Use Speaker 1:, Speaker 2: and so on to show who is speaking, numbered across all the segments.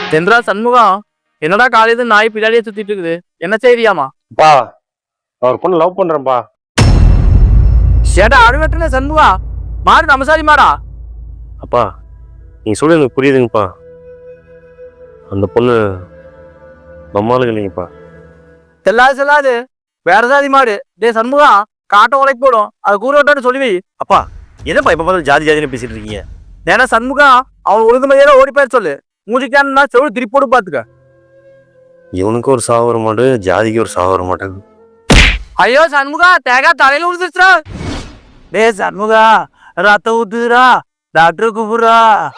Speaker 1: செந்திரா சண்முகம், என்னடா காலையில நாய் பின்னாடியே சுத்திட்டு இருக்குது, என்ன செய்தியாமா?
Speaker 2: பா நான் ஒரு பொண்ணு லவ் பண்றேன்ப்பா.
Speaker 1: சேடா அழுவட்டுன சண்முகா, மாடு நமசாரி மாடா.
Speaker 2: அப்பா நீங்க சொல்ல எனக்கு புரியுதுங்கப்பா. அந்த பொண்ணு நம்மளுக்கு இல்லைங்கப்பா.
Speaker 1: செல்லாது வேற ஜாதி மாடு. டே சண்முகா, காட்ட உழைக்கு போடும், அது கூற விட்டான்னு சொல்லி வை.
Speaker 2: அப்பா என்னப்பா இப்ப பார்த்து ஜாதி ஜாதின்னு பேசிட்டு இருக்கீங்க?
Speaker 1: ஏன்னா சண்முகா, அவன் ஒழுங்கு மதியால ஓடி போயிரு சொல்லு. மூஞ்சிக்கானா செவ்வளவு திருப்போடு பாத்துக்க.
Speaker 2: இவனுக்கு ஒரு சாவு வர மாட்டேன், ஜாதிக்கு ஒரு சாவு வர மாட்டேங்குது.
Speaker 1: ஐயோ சண்முகா, தேகா தலையில விழுந்துருச்சுடா. டே சண்முகா, ரத்த ஊத்துதுடா, டாக்டர் கூப்பிடுறா.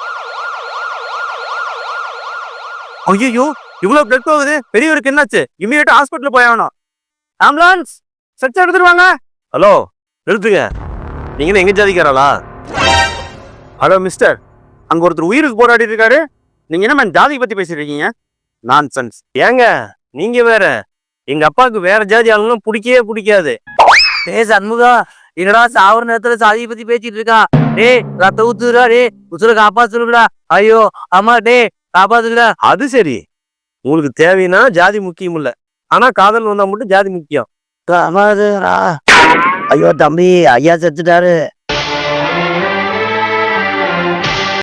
Speaker 1: ஐயோ இவ்வளவு பிளட் போகுது, பெரியவருக்கு என்னாச்சு? இமீடியட்டா ஹாஸ்பிட்டல் போய் ஆகணும். ஆம்புலன்ஸ் ஸ்ட்ரெச்சர் எடுத்துருவாங்க.
Speaker 2: ஹலோ நிறுத்துங்க, நீங்க எங்க ஜாதிக்காரலா?
Speaker 1: ஹலோ மிஸ்டர், அங்க ஒருத்தர் உயிருக்கு போராடி இருக்காரு, நீங்க என்ன ஜாதி பத்தி பேசிட்டு இருக்கீங்க? நான்சென்ஸ்.
Speaker 2: ஏங்க நீங்க வேற, எங்க அப்பாவுக்கு வேற ஜாதி ஆளுங்களும் பிடிக்கவே பிடிக்காது.
Speaker 1: டே சண்முகா, என்னடா சாவர நேரத்துல சாதியை பத்தி பேசிட்டு இருக்கான். டே ரத்த ஊத்துறா, டே உசுர காப்பாத்துடா. ஐயோ அம்மா, டே காப்பாத்துடா.
Speaker 2: அது சரி, உங்களுக்கு தேவைன்னா ஜாதி முக்கியம் இல்ல, ஆனா காதல் வந்தா மட்டும் ஜாதி முக்கியம்.
Speaker 1: ஐயோ தம்பி, ஐயா செத்துட்டாரு.